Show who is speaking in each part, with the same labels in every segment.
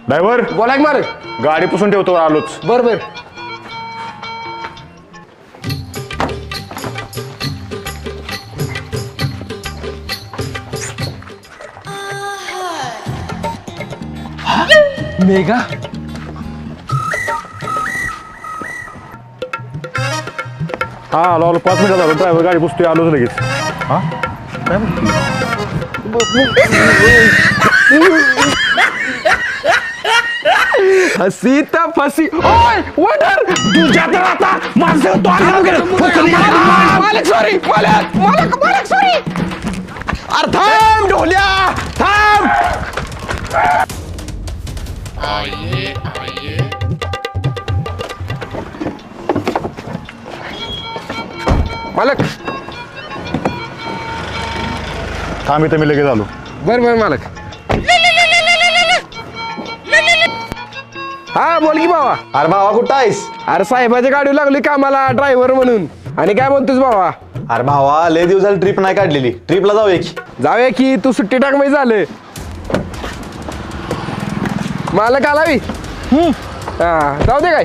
Speaker 1: Driver
Speaker 2: बोला की मार.
Speaker 1: गाडी पुसून ठेवतो आलोच.
Speaker 2: बर बर. मेघा
Speaker 1: हा आलो 5 मिनिटात आलो. ड्रायव्हर गाडी पुसतोय आलोच लगेच. हा काय
Speaker 2: हसी तर फसी. ओय वडर तुझ्या तर आता माझं मालक सॉरी मालक सॉरी. अरे थांब ढोल्या थांब. मालक
Speaker 1: थांब इथं मी लगेच आलो.
Speaker 2: बर बर मालक. हा बोल की बाबा.
Speaker 3: अरे भावा कुठं आहेस?
Speaker 2: अरे साहेबाच्या गाडी लागली कामाला ड्रायव्हर म्हणून. आणि काय म्हणतोस बाबा?
Speaker 3: अरे भावा लय दिवस झाली ट्रिप नाही काढलेली. ट्रिपला जाऊया की.
Speaker 2: जाऊया की तू सुट्टी टाक म्हणजे झालं. मालक आलावी. हा जाऊ दे काय.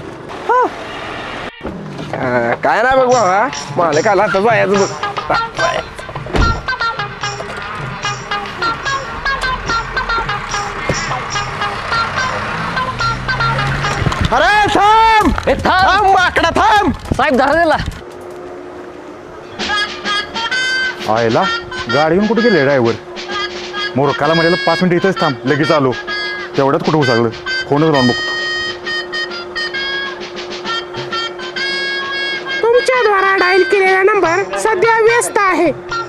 Speaker 2: काय नाही बघ बाबा मालक आला आता जायचं बघ. अरे थांब थांब माकडा थांब.
Speaker 4: साहेब धरा दिला.
Speaker 1: आयला गाडी घेऊन कुठे गेले ड्रायव्हर? मोरकाला म्हणाला 5 मिनिटं इथंच थांब लगेच आलो. तेवढ्यात कुठं उसागलं. फोनच लावून बघतो.
Speaker 5: तुमच्याद्वारा डायल केलेला नंबर सध्या व्यस्त आहे.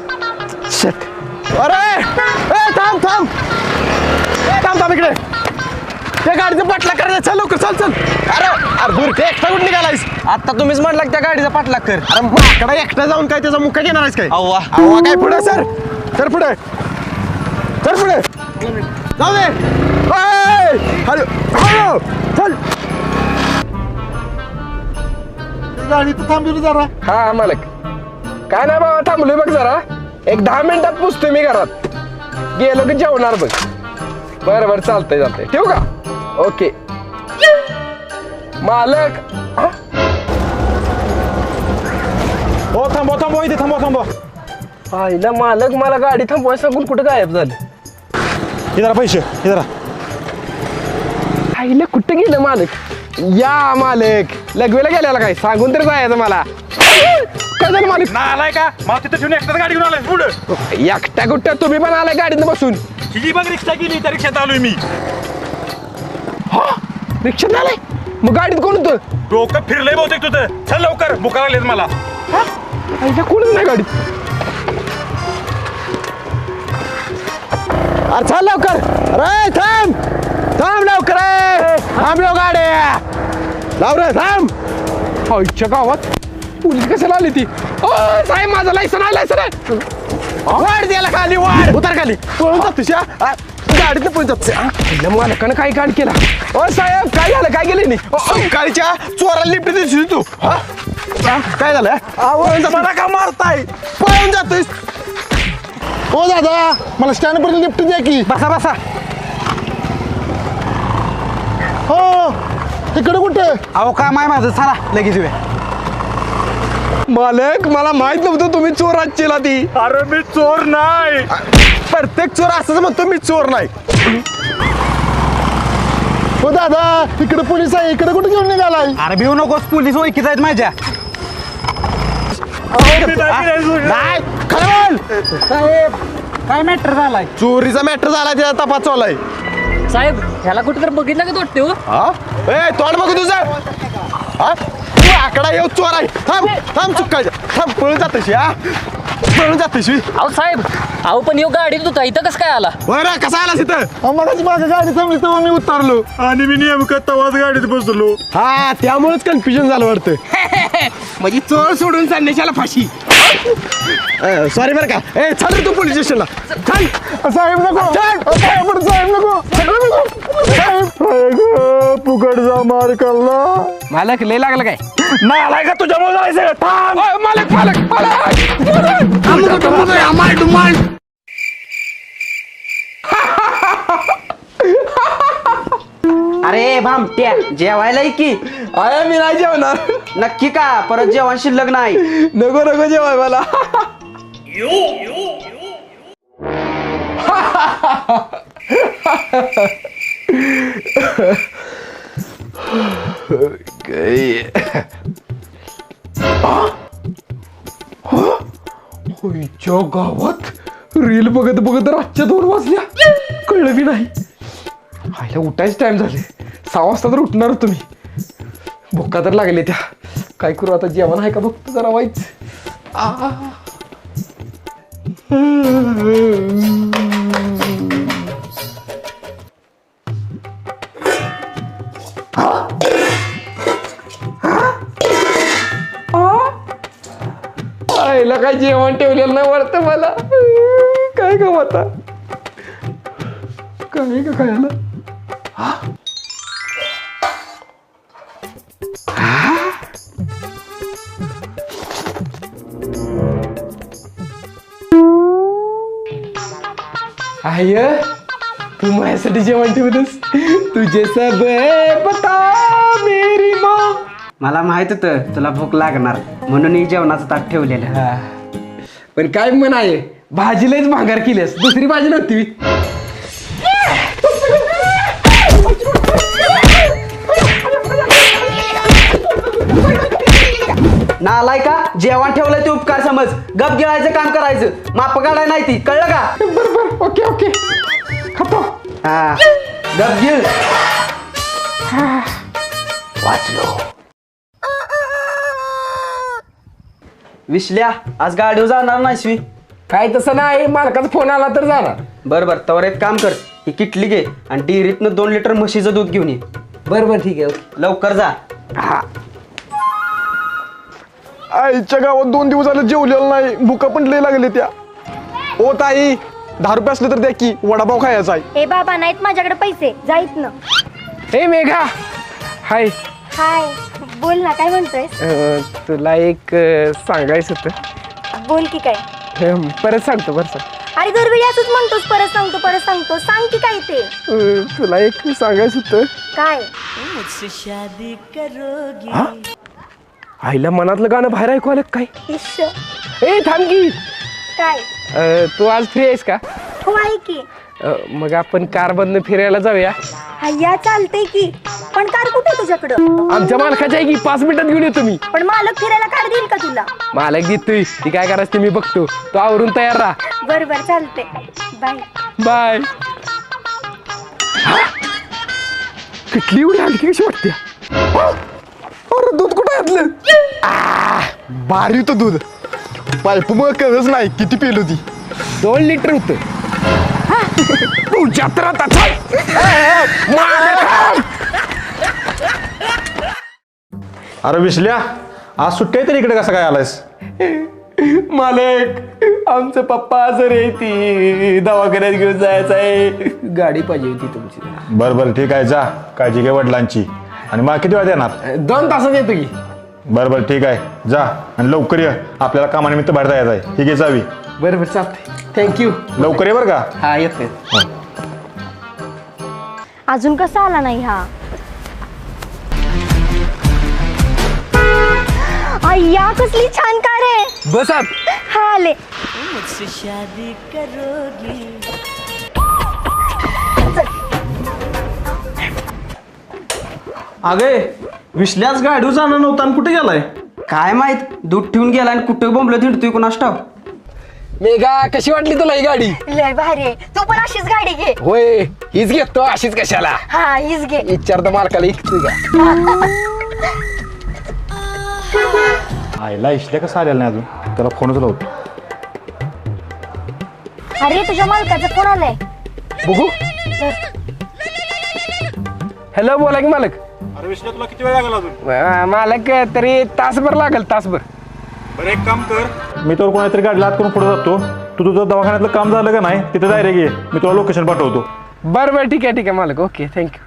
Speaker 2: अरे थांब थांब थांब थांब इकडे. त्या गाडीचं पाठलाग करायचं. चल लवकर चल चल. अरे अरे दूर ते एकटा कुठे निघालायस?
Speaker 4: आता तुम्हीच म्हटला त्या गाडीचा पाठलाग कर.
Speaker 2: अरे माकडा एकटा जाऊन काय त्याचा मुक्का घेणार आहेस काय?
Speaker 4: अव्वा
Speaker 2: अव्वा काय पुढे सर सर पुढे सर पुढे जाऊ दे. हॅलो हॅलो चल.
Speaker 1: गाडी तर थांबली जरा.
Speaker 2: हा मालक काय नाही बाबा थांबलोय बघ जरा. एक 10 मिनिटात पोचतोय मी घरात. गेलो की जेवणार बघ. बरं बरं चालतंय चालतंय ठेवू का? ओके मालक.
Speaker 1: हो थांबवा थांबवा इथे थांबवा.
Speaker 2: आईला मालक मला गाडी थांबवाय सांगून कुठं गायब झालं?
Speaker 1: हे जरा पैसे हे जरा.
Speaker 2: आईला कुठं गेलं मालक? या मालक लगवेला गेल्याला काय सांगून तरी जायचं मला. काय झालं मालक?
Speaker 1: ना आलाय का? मला तिथं ठेवून एकटाच गाडी घेऊन आलाय पुढं.
Speaker 2: एकट्या कुठं तुम्ही पण आलाय गाडीनं बसून?
Speaker 1: ही बघ रिक्षा गेली त्या रिक्षात आलोय मी.
Speaker 2: रिक्षात आलाय मग गाडीत कोण होतं?
Speaker 1: डोकं फिरलंय बहुतेक तुझं. चल लवकर बुका लागलेत मला.
Speaker 2: आईला कोणच नाही गाडीत. अरे चल लवकर. अरे थांब थांब लवकर. थांबलो गाड्या लाव रे थांब. आईच्या गावात पोलीस कशाला आली ती? ओ साहेब माझं लायसन आहे लायसन. वाढ द्यायला खाली वाढ उतार खाली. पळून जात तुझ्या गाडीत पळून जात. मालकानं काय कांड केला? ओ साहेब काय झालं काय गेले नाही? गाडीच्या चोराला लिफ्ट दिसली तू. काय झालं? मला का मारताय? पळून जातोय.
Speaker 3: हो दादा मला स्टँड पर्यंत लिफ्ट द्या की.
Speaker 2: बसा बसा.
Speaker 3: हो तिकडे कुठे?
Speaker 4: अहो काम आहे माझं चला लगेच येऊया.
Speaker 2: मालक मला माहित नव्हतं तुम्ही चोर आजचीला ती.
Speaker 1: अरे मी चोर नाही.
Speaker 2: प्रत्येक चोर असंच म्हणतो मी चोर नाही.
Speaker 3: हो दादा इकडे पोलीस आहे. इकडे कुठे घेऊन निघालाय?
Speaker 4: अरे भिऊ नकोस पोलीस ओळखीत आहेत माझ्या.
Speaker 2: नाही खरं बोल.
Speaker 4: साहेब काय मॅटर झालाय?
Speaker 2: चोरीचा मॅटर झाला त्याचा तपास चालू आहे.
Speaker 4: साहेब ह्याला कुठे तर बघितलं का वाटते हो?
Speaker 2: हा ए तोंड बघू तुझं. हा आकडा येऊ चोर आहे. थांब थांब चुकायचं. थांब पळून जातशी. हा पळून जातशी.
Speaker 4: अहो साहेब अहो पण येऊ गाडीत होता इथं कसं काय आला?
Speaker 2: बरं कसा आला तिथं?
Speaker 3: मगाची माझी गाडी थांबली तेव्हा मी उतरलो.
Speaker 1: आणि मी नेमकं तवाच गाडीत बसलो.
Speaker 2: हा त्यामुळेच कन्फ्युजन झालं वाटतं. म्हणजे चोर सोडून चालण्याच्याला फाशी. सॉरी बरं का. ए चल रे तू पोलीस स्टेशनला. चल
Speaker 3: साहेब नको साहेब नको फुकटचा मार कल्ला.
Speaker 2: मालक लय लागलं काय?
Speaker 1: नाही आलाय का तुझ्यामुळे जायचं? थांब.
Speaker 2: मालक मालक मालक
Speaker 6: अरे भामट्या जेवायला ये की.
Speaker 2: आया मी नाही जेवणार.
Speaker 6: नक्की का परत जेवण शिल्लक नाही.
Speaker 2: नको नको जेवाय मला. होईच्या गावात रील बघत बघत रातच्या 2 वाजल्या. कळलं बी नाही. आईला उठायच टाइम झाले. 6 वाजता तर उठणार तुम्ही. भुका तर लागले त्या. काय करू आता जेवण आहे का बघतो जरा वाईच. आईला काय जेवण ठेवलेलं नाही वाटतं मला. काय का आता काय का खायला. आय तू माझ्यासाठी जेवण ठेवलंस. तुझे सब पता मेरी माँ.
Speaker 6: मला माहित होतं तुला भूक लागणार म्हणून ही जेवणाचं ताट ठेवलेलं.
Speaker 2: पण काय म्हण आहे भाजीलाच भांगार केलीस. दुसरी भाजी नव्हती.
Speaker 6: नालाय का जेवण ठेवलंय ते उपकार समज. गप गिळायचं काम करायचं. माप काढाय नाही ती कळलं का.
Speaker 2: बरोबर ओके ओके खातो.
Speaker 6: हा गप गिळ. वाचलो. विसल्या आज गाडीवर जाणार नाहीस मी.
Speaker 2: काय तसं नाही. मालकाचा फोन आला तर जाणार.
Speaker 6: बरं तवर एक काम कर ही किटली घे आणि डेअरीतनं 2 लिटर म्हशीचं दूध घेऊन ये.
Speaker 2: बरोबर ठीक आहे ओके.
Speaker 6: लवकर जा.
Speaker 3: आईच्या गावात 2 दिवस झाले जेवलेलं नाही. भुका पण लय लागले त्या. ओ ताई 10 रुपये असले तर द्या की वडापाव खायचा आहे.
Speaker 7: हे बाबा नाहीत माझ्याकडे पैसे. जाईत ना.
Speaker 2: हे मेघा हाय.
Speaker 7: हाय बोल ना काय म्हणतोय.
Speaker 2: तुला एक सांगायचं होतं.
Speaker 7: बोल की काय.
Speaker 2: परत सांगतो बरं सांग.
Speaker 7: अरे दरवेळी असंच म्हणतोस. परत सांगतो सांग की काय ते.
Speaker 2: तुला एक सांगायचं होतं.
Speaker 7: काय.
Speaker 2: आईला मनातलं गाणं बाहेर ऐकू आलं काय.
Speaker 7: इश्श.
Speaker 2: ए थांब की.
Speaker 7: काय.
Speaker 2: तू आज फ्री आहेस का.
Speaker 7: हो आहे की.
Speaker 2: मग आपण कार बंद फिरायला जाऊया.
Speaker 7: हय्या चालतंय की. पण कार कुठे तुझ्याकडं.
Speaker 2: आमच्या मालकाच्या आहे की 5 मिनिटात घेऊन येतो मी.
Speaker 7: पण मालक फिरायला कार देईल का तुला.
Speaker 2: मालक देतोय. ती काय करायचं ते मी बघतो. तो आवरून तयार राहा.
Speaker 7: बरोबर चालते. बाय.
Speaker 2: बाय. किटली एवढी हलकी कशी वाटते.
Speaker 3: अरे दूध कुठं घातलं. भारी होतं दूध. पाईप मग कळच नाही किती पेल होती.
Speaker 2: 2 लिटर होत. तुझ्या तर आता
Speaker 1: अरे विसल्या आज सुट्टी आहे तर इकडे कसं काय आलायस.
Speaker 2: मालक आमचं पप्पा आजारी आहे. ती दवाखान्यात घेऊन जायचं आहे. गाडी पाहिजे होती तुमची.
Speaker 1: बरं ठीक आहे जा. काळजी घे वडिलांची. आणि मग किती वेळा देणार.
Speaker 2: 2 तासात येतो की.
Speaker 1: बरं ठीक आहे जा. आणि लवकर ये. आपल्याला कामानिमित्त बाहेर जायचं आहे. ही घे जावी.
Speaker 2: बरोबर चालतंय. थँक्यू.
Speaker 1: लवकर ये बरं का.
Speaker 2: हा येते.
Speaker 7: अजून कसा आला नाही हा. अय्या कसली छान कार आहे.
Speaker 2: बसात.
Speaker 7: हा आले.
Speaker 6: अगे विसल्याच गाडीवर जाणार नव्हता आणि कुठे गेलाय. काय माहित दूध ठेवून गेला आणि कुठे बोंबलं थिंडतोय कोणास ठाव.
Speaker 2: मेघा कशी वाटली तुला ही गाडी.
Speaker 7: लय भारी आहे. तू पण अशीच गाडी घे.
Speaker 2: होय हीच घेतो. अशीच कशाला.
Speaker 7: हा हीच घे.
Speaker 2: विचारतो मालकाला इकतो का.
Speaker 1: आईला इशल्या कसं आलेला नाही अजून. त्याला फोनच लावतो.
Speaker 7: अरे तुझ्या मालकाचा फोन आलाय.
Speaker 2: बघू. हॅलो बोला की मालक.
Speaker 1: अरे विसल्या तुला किती वेळ लागला अजून.
Speaker 2: मालक तरी तासभर लागेल. तासभर.
Speaker 1: बरं एक काम कर. मी तर कोणातरी गाडी लाद करून पुढे जातो. तू तुझं दवाखान्यातलं काम झालं का नाही तिथे डायरेक्ट ये. मी तुला लोकेशन पाठवतो.
Speaker 2: बरं ठीक आहे मालक. Okay thank you.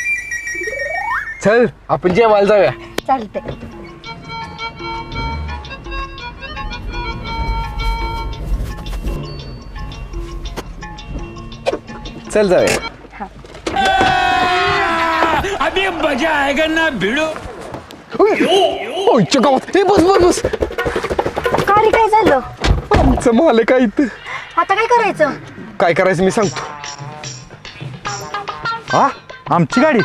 Speaker 2: चल आपण जेवायला जाऊया.
Speaker 7: चालते.
Speaker 2: चल जाऊया.
Speaker 3: आईच्या गावात हे बस बस बस
Speaker 7: का रे काय झालं
Speaker 3: आमचं मालक आहे इथं.
Speaker 7: आता काय करायचं
Speaker 3: काय करायचं मी सांगतो.
Speaker 1: हा आमची गाडी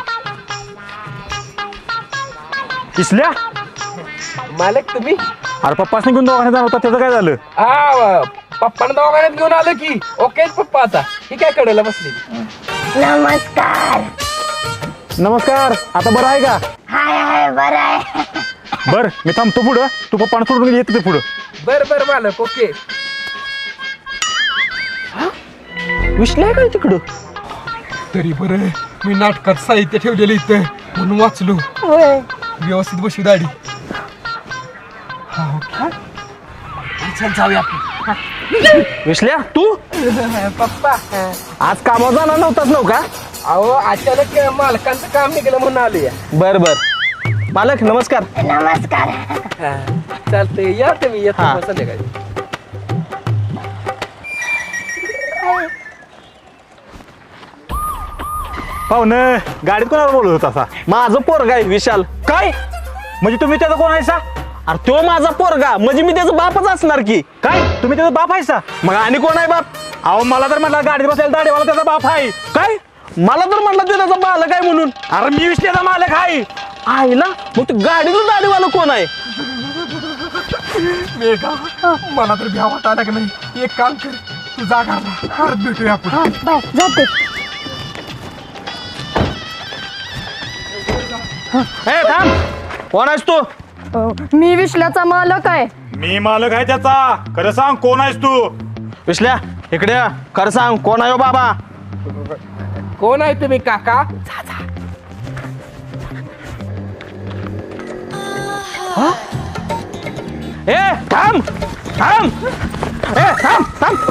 Speaker 1: किसल्या
Speaker 2: मालक तुम्ही
Speaker 1: अरे पप्पासने घेऊन दवाखान्यात जाणार होता त्याचं काय झालं?
Speaker 2: हा पप्पानं दवाखान्यात घेऊन आलं की ओके पप्पा आता ही काय कडेला बसली.
Speaker 7: नमस्कार
Speaker 1: नमस्कार, आता बरं आहे का?
Speaker 7: हाय हाय बरं आहे
Speaker 1: बर मी थांबतो पुढं, तू पप्पानं सोडून येते ते पुढं.
Speaker 2: बर मालक ओके. विश्ले काय तिकडं तरी बरं मी नाटकात साहित्य ठेवलेलं इथं म्हणून वाचलो.
Speaker 7: होय
Speaker 2: व्यवस्थित बसू दाढी. चल जाऊया आपण.
Speaker 6: विसल्या तू
Speaker 2: पप्पा
Speaker 6: आज कामावर जाणार नव्हताच नव्ह का?
Speaker 2: अहो अचानक मालकांचं काम निघालं म्हणून आलोय.
Speaker 6: बर मालक नमस्कार.
Speaker 7: नमस्कार
Speaker 2: चालतंय या तुम्ही येतो
Speaker 6: हा.
Speaker 2: मग संध्याकाळी.
Speaker 1: पाहुणं गाडीत कोणाला बोलत होता असा?
Speaker 6: माझं पोरगा आहे विशाल.
Speaker 1: काय म्हणजे तुम्ही त्याचा कोण आहेसा?
Speaker 6: अरे तो माझा पोरगा म्हणजे मी त्याचा बापच असणार की.
Speaker 1: काय तुम्ही त्याचा बाप आहेसा?
Speaker 6: मग आणि कोण आहे बाप?
Speaker 1: अहो मला तर म्हटलं गाडीत बसायला दाढीवाला त्याचा बाप आहे.
Speaker 6: काय मला तर म्हटलं तो त्याचा बालक आहे म्हणून.
Speaker 1: अरे मी विश्लेचा मालक आहे.
Speaker 6: आईला मग तू गाडीतून दाढीवाला कोण आहे?
Speaker 2: मला तर भ्या वाटायला का नाही. एक काम कर तू जा घरला परत भेटूया आपण.
Speaker 7: हा बाय जाते
Speaker 6: हे थांब, कोण आहेस तू?
Speaker 7: मी विश्ल्याचा मालक आहे
Speaker 1: मी मालक आहे त्याचा. खरं सांग कोण आहेस तू?
Speaker 6: विसल्या इकडे ये. खरं सांग कोण आहे हो बाबा?
Speaker 2: कोण आहे तुम्ही काका?
Speaker 6: ए थांब थांब ए थांब थांब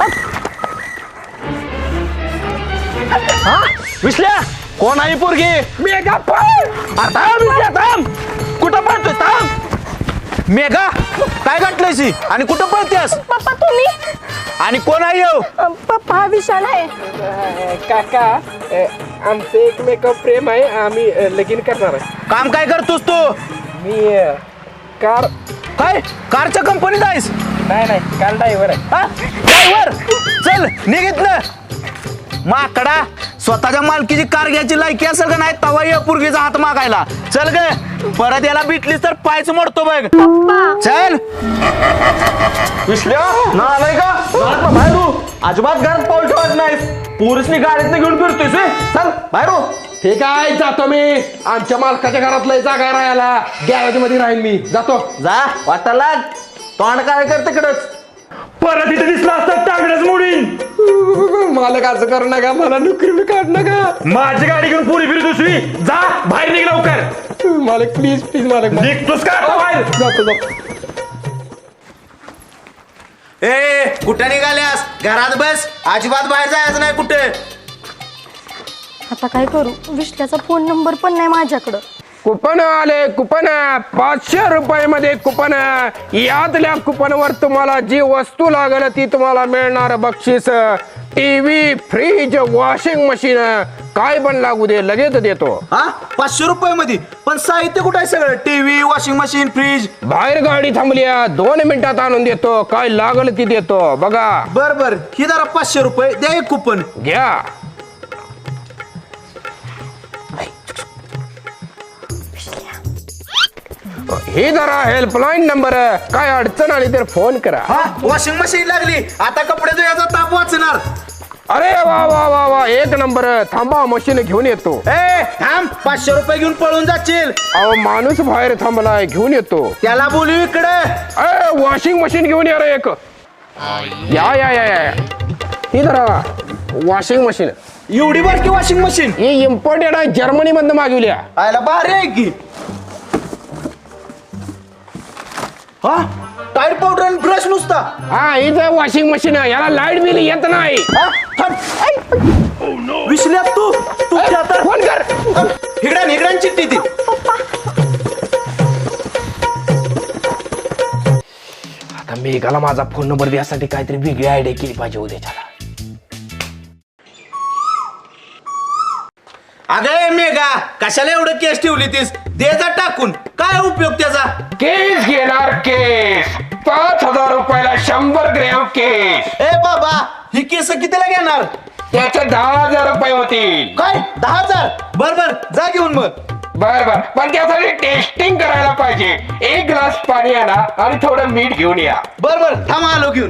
Speaker 6: हा विसल्या कोण आहे ही पोरगी?
Speaker 2: मेगा पण
Speaker 6: थांब विसल्या थांब. कुठं पळतोय? थांब. मेघा काय घातलंयसी आणि कुठं पळतेस?
Speaker 7: पप्पा तुम्ही
Speaker 6: आणि कोण आहे हो?
Speaker 7: पप्पा हा विशाल आहे
Speaker 2: काका आमचं एक मेकअप प्रेम आहे. आम्ही लगीन करणार आहे.
Speaker 6: काम काय करतोस तू?
Speaker 2: मी कार
Speaker 6: काय कारच्या कंपनीत आहेस?
Speaker 2: नाही कार ड्रायव्हर आहे.
Speaker 6: हा? ड्रायव्हर चल निघितलं माकडा. स्वतःच्या मालकीची कार घ्यायची लायकी असेल का नाही तवा ये पोरगीचा हात मागायला. चल ग परत याला भेटलीस तर पायच मोडतो बघ. चल विसल्या ना आलाय का? घरात बाहेर हो. अजिबात घरात पाऊल ठेवत नाहीस. पोरीसनी गाडीतनं घेऊन फिरतोयस व्हय? चल बाहेर हो.
Speaker 2: ठीक आहे जातो मी. आमच्या मालकाच्या घरातलं जागा आहे राहायला. गॅरेज मध्ये राहील मी. जातो.
Speaker 6: जा वाटायला तोंड काय कर तिकडच.
Speaker 1: परत इथे दिसला असता टांगडच मोडीन.
Speaker 2: मालक असं करू नका. मला नोकरी काढ नका.
Speaker 1: माझी गाडी घेऊन पुरी फिरत दुसरी. जा बाहेर निघ लवकर.
Speaker 2: मालक प्लीज मालक.
Speaker 1: निघतोस का आता बाहेर?
Speaker 2: जातो.
Speaker 6: ए कुठे निघाल्यास? घरात बस. अजिबात बाहेर जायचं नाही कुठे.
Speaker 7: आता काय करू विश्ल्याचा फोन नंबर पण नाही माझ्याकडं
Speaker 2: कुपन आले कुपन 500 रुपयामध्ये कुपन. यातल्या कुपनवर तुम्हाला जी वस्तू लागेल ती तुम्हाला मिळणार बक्षीस. टीव्ही फ्रीज वॉशिंग मशीन काय पण लागू दे लगेच देतो.
Speaker 6: हा 500 रुपये मध्ये पण साहित्य कुठं आहे सगळं? TV washing machine fridge.
Speaker 2: बाहेर गाडी थांबली 2 मिनिटात आणून देतो. काय लागल ती देतो बघा.
Speaker 6: बर ही जरा 500 रुपये द्या एक कुपन.
Speaker 2: घ्या. हे जरा हेल्पलाईन नंबर. काय अडचण आली तर फोन करा.
Speaker 6: हा वॉशिंग मशीन लागली आता कपडे धुण्याचा ताप वाचणार.
Speaker 2: अरे वा वा वा वा एक नंबर. थांबा मशीन घेऊन येतो.
Speaker 6: ए थांब 500 रुपये घेऊन पळून जाशील.
Speaker 2: अहो माणूस बाहेर थांबलाय घेऊन येतो.
Speaker 6: त्याला बोलू इकडे.
Speaker 2: वॉशिंग मशीन घेऊन या रे एक. या ही जरा वॉशिंग मशीन.
Speaker 6: एवढी बारकी वॉशिंग मशीन?
Speaker 2: ही इम्पोर्टेड आहे जर्मनी मधून मागवल्या.
Speaker 6: आयला भारी आहे की. हा टायर पावडर आणि ब्रश नुसता.
Speaker 2: हा हीच वॉशिंग मशीन. याला लाईट बिल येत नाही.
Speaker 6: विसल्यात तू
Speaker 2: फोन कर.
Speaker 6: हिगड्यान चिठ्ठी ती.
Speaker 2: आता मेघाला माझा फोन नंबर द्यासाठी काहीतरी वेगळी आयडिया केली पाहिजे उद्याच्याला.
Speaker 6: अगं मेघा कशाला एवढं केस ठेवली तीस दे जा टाकून काय उपयोग त्याचा
Speaker 2: केस घेणार केस 5,000 रुपयाला 100 ग्रॅम केस.
Speaker 6: ए बाबा ही केस कितीला घेणार
Speaker 2: त्याचे 10,000 रुपये होतील.
Speaker 6: काय 10,000 बर बर जा घेऊन मग
Speaker 2: बर बर पण त्यासाठी टेस्टिंग करायला पाहिजे. 1 ग्लास पाणी आणा आणि थोडं मीठ घेऊन या.
Speaker 6: बर बर थांब आलो घेऊन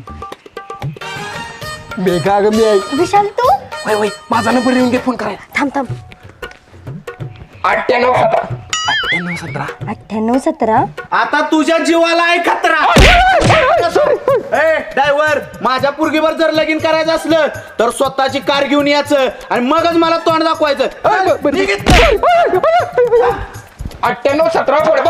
Speaker 2: मेघा ग मी
Speaker 7: विशाल तू
Speaker 2: वय वय माझा नंबर येऊन घे फोन करायला.
Speaker 7: थांब थांब
Speaker 2: 98
Speaker 7: 9817
Speaker 6: आता तुझ्या जीवाला आहे खतरा ए ड्रायव्हर माझ्या पुरगीवर जर लगीन करायचं असलं तर स्वतःची कार घेऊन यायचं आणि मगच मला तोंड दाखवायचं
Speaker 2: 9817 पुढे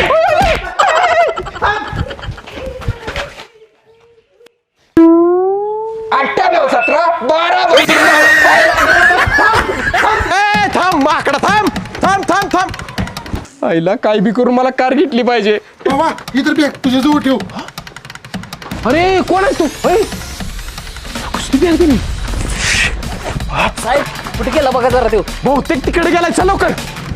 Speaker 3: थांब माकडा थांब थांब थांब थांब आईला काय बी करून मला कार घेतली पाहिजे.
Speaker 1: बाबा इतर बॅग तुझ्या जवळ ठेव.
Speaker 2: अरे कोण आहे तू कुस्ती बॅग दिली
Speaker 4: साहेब कुठे गेला बघा जरा तो.
Speaker 2: बहुतेक तिकडे गेलाय. चल लवकर.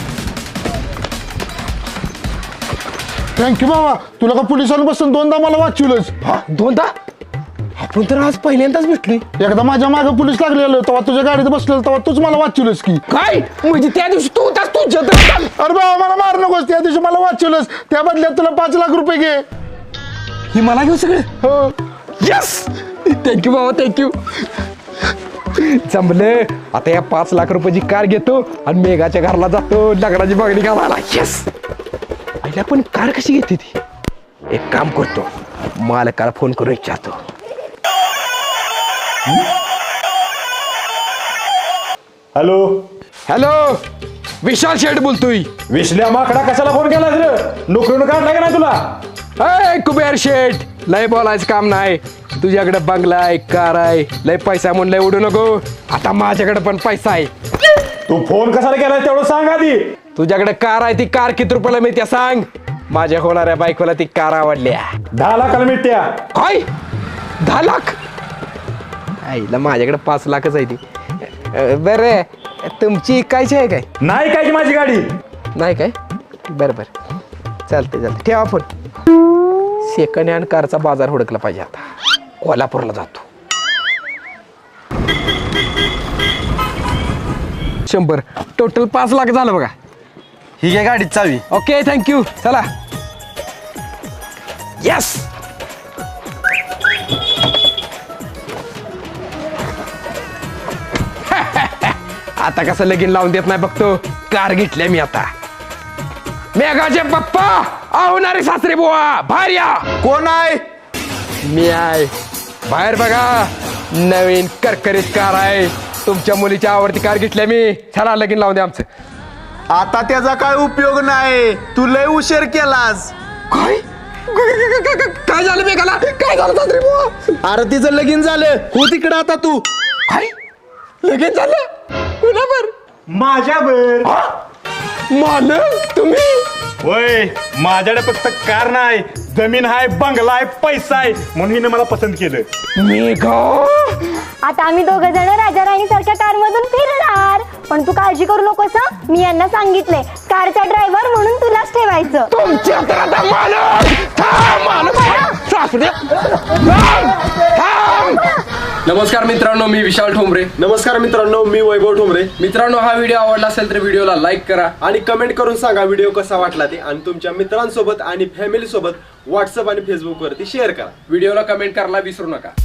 Speaker 1: थँक्यू बाबा तुला का पोलिसांपासून 2दा मला वाचवलंच.
Speaker 2: 2दा आपण तर आज पहिल्यांदाच भेटलोय.
Speaker 1: एकदा माझ्या मागे पोलीस लागलेलं तेव्हा तुझ्या गाडीत बसलेलं तेव्हा तूच मला वाचवलंस की.
Speaker 2: काय म्हणजे त्या दिवशी तू होतास तुझ्या
Speaker 1: अरे बाबा मला मार नकोस त्या दिवशी मला वाचवलंस त्या बदल्यात तुला 5 लाख रुपये घे.
Speaker 2: ही मला घेऊ सगळे.
Speaker 1: हो
Speaker 2: यस थँक्यू बाबा थँक्यू. जमलं आता या 5 लाख रुपयाची कार घेतो आणि मेघाच्या घरला जातो लग्नाची मागणी घालायला. यस आईला पण कार कशी घेते ती. एक काम करतो मालकाला फोन करून विचारतो.
Speaker 1: हॅलो
Speaker 2: हॅलो विशाल शेठ बोलतोय.
Speaker 1: विश्ल्या माकडा कशाला फोन केला रे नोकरीनं काढला का नाही तुला.
Speaker 2: अय कुबेर शेठ लय बोलायचं काम नाही. तुझ्याकडे बंगला आहे कार आहे लय पैसा म्हणलंय उडू नको. आता माझ्याकडे पण पैसा आहे.
Speaker 1: तू फोन कशाला केला तेवढं सांग आधी.
Speaker 2: तुझ्याकडे कार आहे ती कार किती रुपयाला मिळते सांग. माझ्या होणाऱ्या बायकोला ती कार आवडल्या.
Speaker 1: 10 लाखाला मिळत्या.
Speaker 2: काय 10 लाख आईला माझ्याकडे 5 लाखच आहे ती. बरं तुमची इकायची आहे काय.
Speaker 1: नाही काय की माझी गाडी.
Speaker 2: नाही काय बरं बरं चालते चालते ठेवा फोन. सेकंड हँड कारचा बाजार हुडकला पाहिजे. आता कोल्हापूरला जातो. 100 टोटल 5 लाख झालं बघा.
Speaker 3: ही घे गाडीत चावी.
Speaker 2: ओके थँक्यू चला. यस आता कसं लगीन लावून देत नाही बघतो. कार घेतल्या मी आता. मेघाचे पप्पा आवणारे सासरे बुवा बाहेर या.
Speaker 6: कोण आहे
Speaker 2: मी आहे बाहेर बघा. नवीन करकरीत कार आहे. तुमच्या मुलीच्या आवडती कार घेतल्या मी. चला लगीन लावून द्या आमचं.
Speaker 6: आता त्याचा काय उपयोग नाही तू लय उशीर केलास
Speaker 2: काय काय झालं मेघाला. काय झालं सासरे बुवा.
Speaker 6: अरे तिचं लगीन झालं हो तिकडं आता तू
Speaker 2: काय लगीन झालं कुणावर.
Speaker 1: माझ्यावर.
Speaker 2: मालक तुम्ही.
Speaker 1: होय माझ्याकडे फक्त कार नाही जमीन आहे बंगला आहे पैसा आहे म्हणून हिने मला पसंत केलं.
Speaker 2: मेघा
Speaker 7: आता आम्ही 2 जण राजा राणी सारख्या कार मधून फिरणार. पण तू काळजी करू नकोस हं. मी यांना सांगितले कारचा ड्रायव्हर म्हणून तुलाच ठेवायचं.
Speaker 2: तुमच्या तर आता मालक थांब मालक सासरे थांब थांब. नमस्कार मित्रांनो मी विशाल ठोंबरे.
Speaker 3: नमस्कार मित्रांनो मी वैभव ठोंबरे.
Speaker 2: मित्रांनो हा व्हिडिओ आवडला असेल तर व्हिडिओला लाईक करा
Speaker 3: आणि कमेंट करून सांगा व्हिडिओ कसा वाटला ते आणि तुमच्या मित्रांसोबत आणि फॅमिली सोबत व्हॉट्सअप आणि फेसबुक वरती शेअर करा.
Speaker 2: व्हिडिओला कमेंट करायला विसरू नका.